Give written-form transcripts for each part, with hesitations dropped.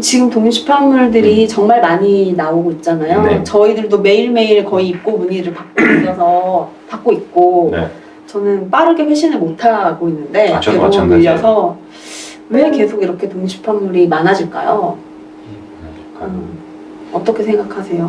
지금 독립출판물들이 정말 많이 나오고 있잖아요. 네. 저희들도 매일매일 거의 입고 문의를 받고 있고 네. 저는 빠르게 회신을 못하고 있는데 저도 대부분 마찬가지예요. 밀려서 왜 계속 이렇게 독립출판물이 많아질까요? 어떻게 생각하세요?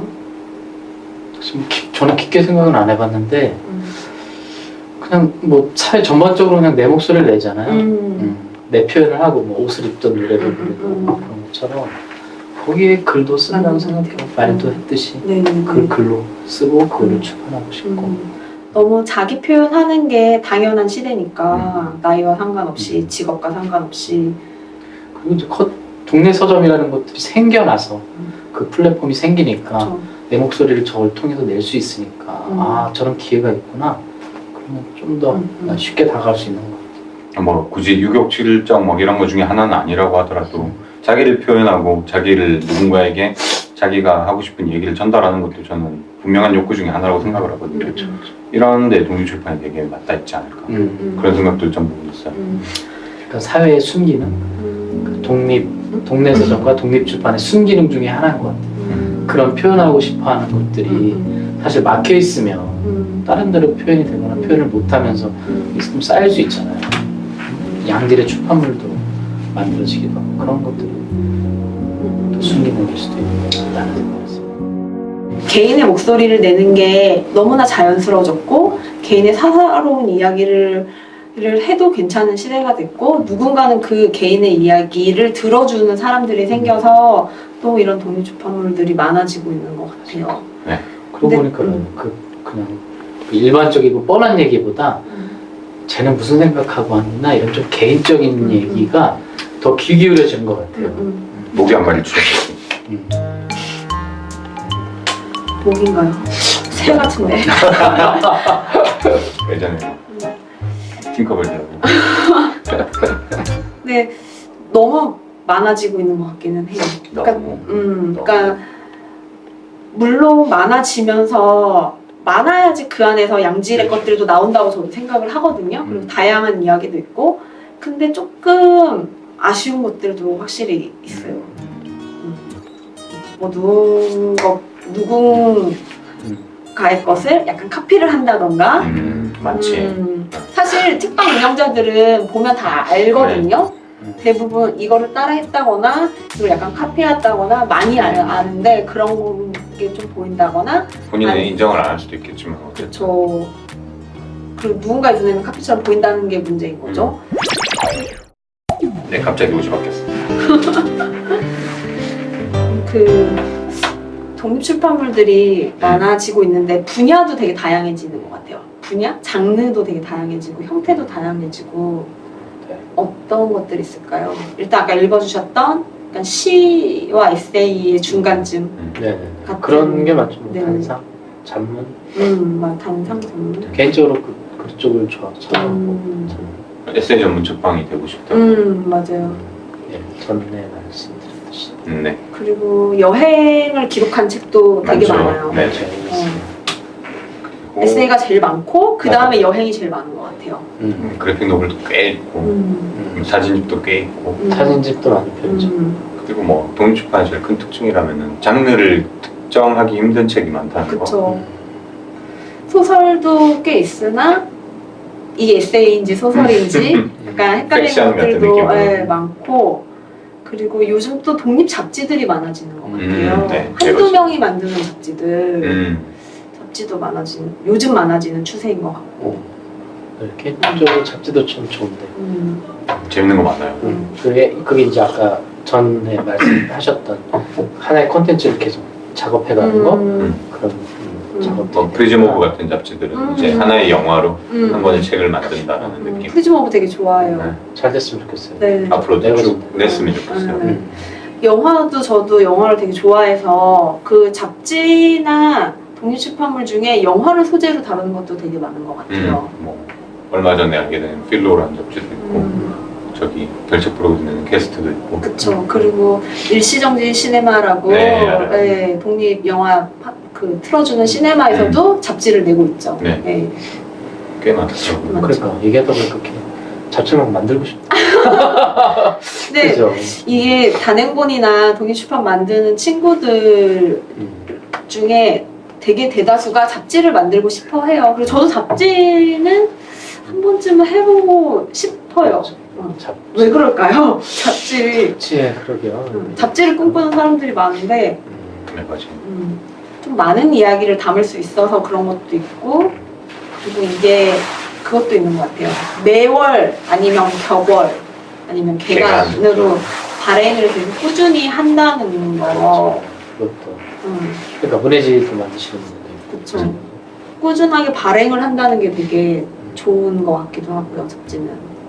저는 깊게 생각은 안 해봤는데 그냥 뭐 사회 전반적으로 그냥 내 목소리를 내잖아요. 내 표현을 하고 뭐 옷을 입던 노래를 부르고 그런 것처럼 거기에 글도 쓴다고 생각해요. 말도 했듯이 그 글로 쓰고 그거를 출판하고 싶고 너무 자기 표현하는 게 당연한 시대니까 나이와 상관없이 직업과 상관없이 그리고 이제 동네 서점이라는 것들이 생겨나서 그 플랫폼이 생기니까 그렇죠. 내 목소리를 저걸 통해서 낼 수 있으니까 아 저런 기회가 있구나 그러면 좀 더 쉽게 다가갈 수 있는 것 같아요. 뭐 굳이 유격칠정 뭐 이런 것 중에 하나는 아니라고 하더라도 자기를 표현하고 자기를 누군가에게 자기가 하고 싶은 얘기를 전달하는 것도 저는 분명한 욕구 중에 하나라고 생각을 하거든요. 이런데 독립출판이 되게 맞닿아 있지 않을까 그런 생각도 좀 보고 있어요. 그러니까 사회의 순기능, 그 동네 서점과 독립출판의 순기능 중에 하나인 것 같아요. 그런 표현하고 싶어하는 것들이 사실 막혀 있으면 다른 데로 표현이 되거나 표현을 못하면서 있으면 쌓일 수 있잖아요. 양질의 출판물도 만들어지기도 하고 그런 것들이 또 순기능일 수도 있다는 생각이 있습니다. 개인의 목소리를 내는 게 너무나 자연스러워졌고 개인의 사사로운 이야기를 해도 괜찮은 시대가 됐고 누군가는 그 개인의 이야기를 들어주는 사람들이 생겨서 또 이런 독립출판물들이 많아지고 있는 것 같아요. 네. 그러고 보니까 그냥 일반적이고 뻔한 얘기보다 쟤는 무슨 생각하고 왔나 이런 좀 개인적인 얘기가 더 귀 기울여지는 것 같아요. 목이 한 마리 줄었어요. 목인가요? 새 같은데. 예전에 팅커벨이라고. 네, 너무 많아지고 있는 것 같기는 해요. 그러니까 물론 많아지면서 많아야지 그 안에서 양질의 것들도 나온다고 저도 생각을 하거든요. 그리고 다양한 이야기도 있고, 근데 조금 아쉬운 것들도 확실히 있어요. 뭐 누군가의 것을 약간 카피를 한다던가. 많지. 사실 특방 운영자들은 보면 다 알거든요. 대부분 이거를 따라했다거나 그리고 약간 카피했다거나 많이 아는데 그런 게 좀 보인다거나 본인은 인정을 안 할 수도 있겠지만 그렇죠. 그리고 누군가의 눈에는 카피처럼 보인다는 게 문제인 거죠. 네, 갑자기 옷이 바뀌었어. 그 독립출판물들이 많아지고 있는데 분야도 되게 다양해지는 것 같아요. 분야? 장르도 되게 다양해지고 형태도 다양해지고 어떤 것들이 있을까요? 일단 아까 읽어주셨던 약간 시와 에세이의 중간쯤 네, 같은 그런 게 맞죠. 뭐 네. 단상, 잡문. 단상 전문. 개인적으로 그쪽을 좋아하고 에세이 전문 책방이 되고 싶다. 맞아요. 예, 전에 말씀드렸듯이. 네. 그리고 여행을 기록한 책도 되게 많죠. 많아요. 네. 에세이가 제일 많고 그 다음에 여행이 제일 많은 것 같아요. 그래픽 노블도 꽤 있고 사진집도 꽤 있고 사진집도 많은 편이죠. 그리고 뭐 독립출판의 제일 큰 특징이라면은 장르를 특정하기 힘든 책이 많다는 거. 그쵸. 소설도 꽤 있으나 이게 에세이인지 소설인지 약간 헷갈리는 팩션 같은 것들도 느낌으로. 많고 그리고 요즘 또 독립 잡지들이 많아지는 것 같아요. 네. 한두 명이 만드는 잡지들 잡지도 요즘 많아지는 추세인 것 같고 개인적으로 잡지도 좀 좋은데 재밌는 거 많아요. 그게 이제 아까 전에 말씀하셨던 하나의 콘텐츠를 계속 작업해가는 거 그런 작업. 뭐 프리즈모브 같은 잡지들은 이제 하나의 영화로 한 권의 책을 만든다라는 느낌. 프리즈모브 되게 좋아해요. 네. 잘 됐으면 좋겠어요. 네. 앞으로도 쭉 냈으면 좋겠어요. 영화도 저도 영화를 되게 좋아해서 그 잡지나 독립출판물 중에 영화를 소재로 다루는 것도 되게 많은 것 같아요. 뭐 얼마 전에 알게 된 필로라는 잡지도 있고 저기 결책 프로그램 게스트도 있고. 그쵸. 그리고 일시정지 시네마라고 네, 독립 영화 틀어주는 시네마에서도 잡지를 내고 있죠. 네. 꽤 많죠. 그러니까 얘기하다 보니까 잡지만 만들고 싶다. 근데 그죠? 이게 단행본이나 독립출판 만드는 친구들 중에 되게 대다수가 잡지를 만들고 싶어 해요. 그리고 저도 잡지는 한 번쯤은 해보고 싶어요. 왜 그럴까요? 잡지에 그러게요. 잡지를 꿈꾸는 사람들이 많은데 네, 맞아요. 좀 많은 이야기를 담을 수 있어서 그런 것도 있고, 그리고 이게 그것도 있는 것 같아요. 매월 아니면 격월 아니면 개간으로 발행을 계속 꾸준히 한다는 거. 그것도. 그러니까 문해지도 만드시는 분들도 있고. 그쵸. 꾸준하게 발행을 한다는 게 되게 좋은 것 같기도 하고요, 잡지는.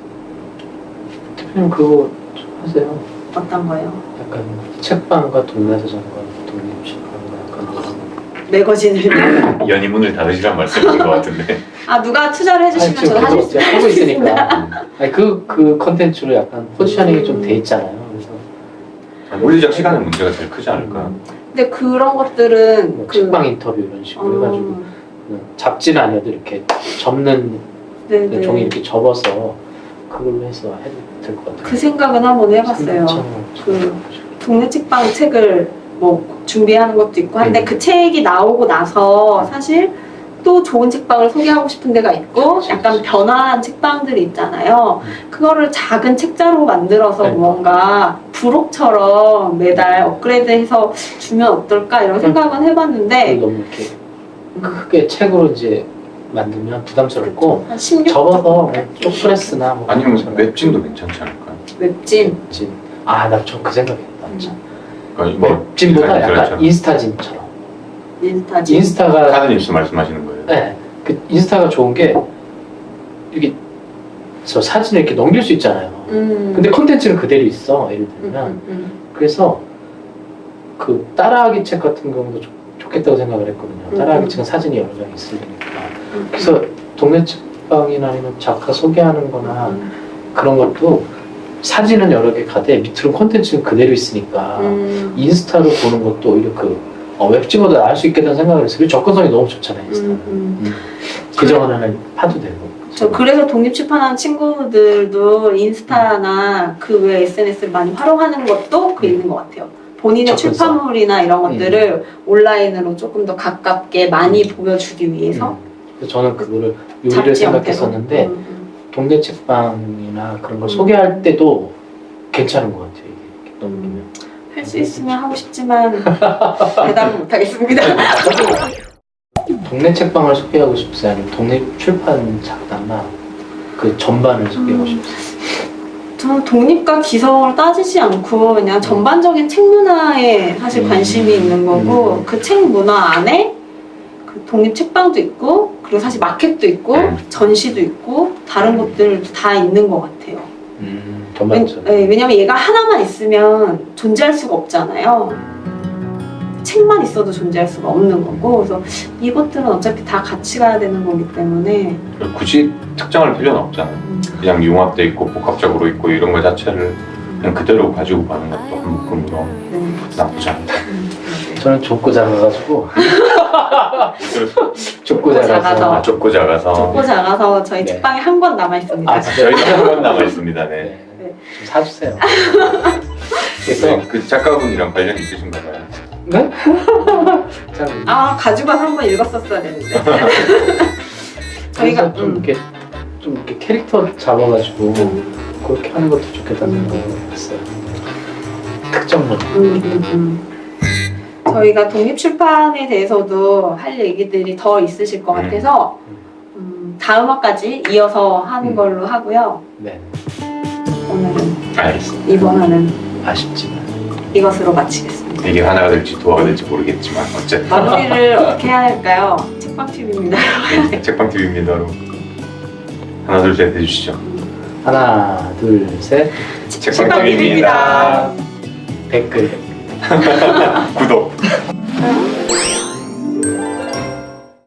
대표님 그거 좀 하세요. 어떤 거요? 약간 책방과 동네서점과 독립출판과 약간 이런 매거진을. 연이 문을 닫으시란 말씀인 것 같은데. 아, 누가 투자를 해주시면 지금 저는 계속 하실 수 하고 있습니다. 있으니까. 아니, 그 컨텐츠로 약간 포지셔닝이 좀 돼 있잖아요. 그래서 물리적 시간의 문제가 제일 크지 않을까. 근데 그런 것들은 뭐 책방 인터뷰 이런 식으로 해가지고 잡지는 아니어도 이렇게 접는 네네. 종이 이렇게 접어서 그걸로 해서 해도 될 것 같아요. 그 생각은 한번 해봤어요. 그 동네 책방 책을 뭐 준비하는 것도 있고 한데 그 책이 나오고 나서 사실 또 좋은 책방을 소개하고 싶은 데가 있고 약간 변화한 책방들이 있잖아요. 그거를 작은 책자로 만들어서 네. 뭔가 부록처럼 매달 업그레이드해서 주면 어떨까 이런 생각은 해봤는데 너무 이렇게 크게 책으로 이제 만들면 부담스럽고 한 16쪽 접어서 쪽프레스나 뭐 아니면 그런 웹진도 괜찮지 않을까요? 웹진. 웹진. 나 저 그 생각했다. 그러니까 뭐 웹진보다 약간 그렇죠. 인스타진처럼. 인스타진. 인스타가 카드뉴스 말씀하시는 거예요? 네, 그 인스타가 좋은 게 이렇게 저 사진을 이렇게 넘길 수 있잖아요. 근데 컨텐츠는 그대로 있어. 예를 들면 그래서 그 따라하기 책 같은 경우도 좋겠다고 생각을 했거든요. 따라하기 책은 사진이 여러 장 있으니까. 그래서 동네 책방이나 아니면 작가 소개하는 거나 그런 것도 사진은 여러 개 가되 밑으로 콘텐츠는 그대로 있으니까 인스타로 보는 것도 오히려 그 웹진보다 나을 수 있겠다는 생각을 했어요. 그리고 접근성이 너무 좋잖아요. 인스타. 계정 하나는 파도 되고. 저 그래서 독립출판하는 친구들도 인스타나 그 외 SNS를 많이 활용하는 것도 그 있는 것 같아요. 본인의 접근성. 출판물이나 이런 것들을 온라인으로 조금 더 가깝게 많이 보여주기 위해서 그래서 저는 그거를 요리를 잡지 형태로. 생각했었는데 동네 책방이나 그런 걸 소개할 때도 괜찮은 것 같아요. 이게 넘기면. 할 수 있으면 하고 싶지만 대답은 못하겠습니다. 동네 책방을 소개하고 싶으세요? 아니면 동네 출판 작가나 그 전반을 소개하고 싶으세요? 저는 독립과 기성을 따지지 않고 그냥 전반적인 책 문화에 사실 관심이 있는 거고 그 책 문화 안에 그 독립 책방도 있고 그리고 사실 마켓도 있고 전시도 있고 다른 것들도 다 있는 것 같아요. 전반적으로. 왜냐면 얘가 하나만 있으면 존재할 수가 없잖아요. 책만 있어도 존재할 수가 없는 거고 그래서 이것들은 어차피 다 같이 가야 되는 거기 때문에 굳이 특정할 필요는 없잖아요. 그냥 융합돼 있고 복합적으로 있고 이런 거 자체를 그냥 그대로 가지고 가는 것도 한 묶음으로 나쁘지 않다. 저는 좁고 작아가지고 좁고 작아서. 작아서 좁고 작아서. 좁고 작아서 저희 네. 책방에 한 권 남아 있습니다. 저희도 한권 남아 있습니다. 네. 좀 사주세요. 그래서 그 작가분이랑 관련 있으신가 봐요. 네? 가지고 와서 한 번 읽었었어야 되는데. 저희가 저희가 좀 이렇게 캐릭터 잡아가지고 그렇게 하는 것도 좋겠다는 생각을 했어요. 특정문. 저희가 독립출판에 대해서도 할 얘기들이 더 있으실 것 같아서 다음 화까지 이어서 하는 걸로 하고요. 네. 오늘은 알겠습니다. 이번 화는 아쉽지만 이것으로 마치겠습니다. 이게 하나가 될지 도화가 될지 모르겠지만 어쨌든 마무리를 어떻게 해야 할까요? 책방TV입니다. 네, 책방TV입니다. 여러분. 하나 둘 셋 해주시죠. 하나 둘 셋 책방TV입니다. 댓글 구독.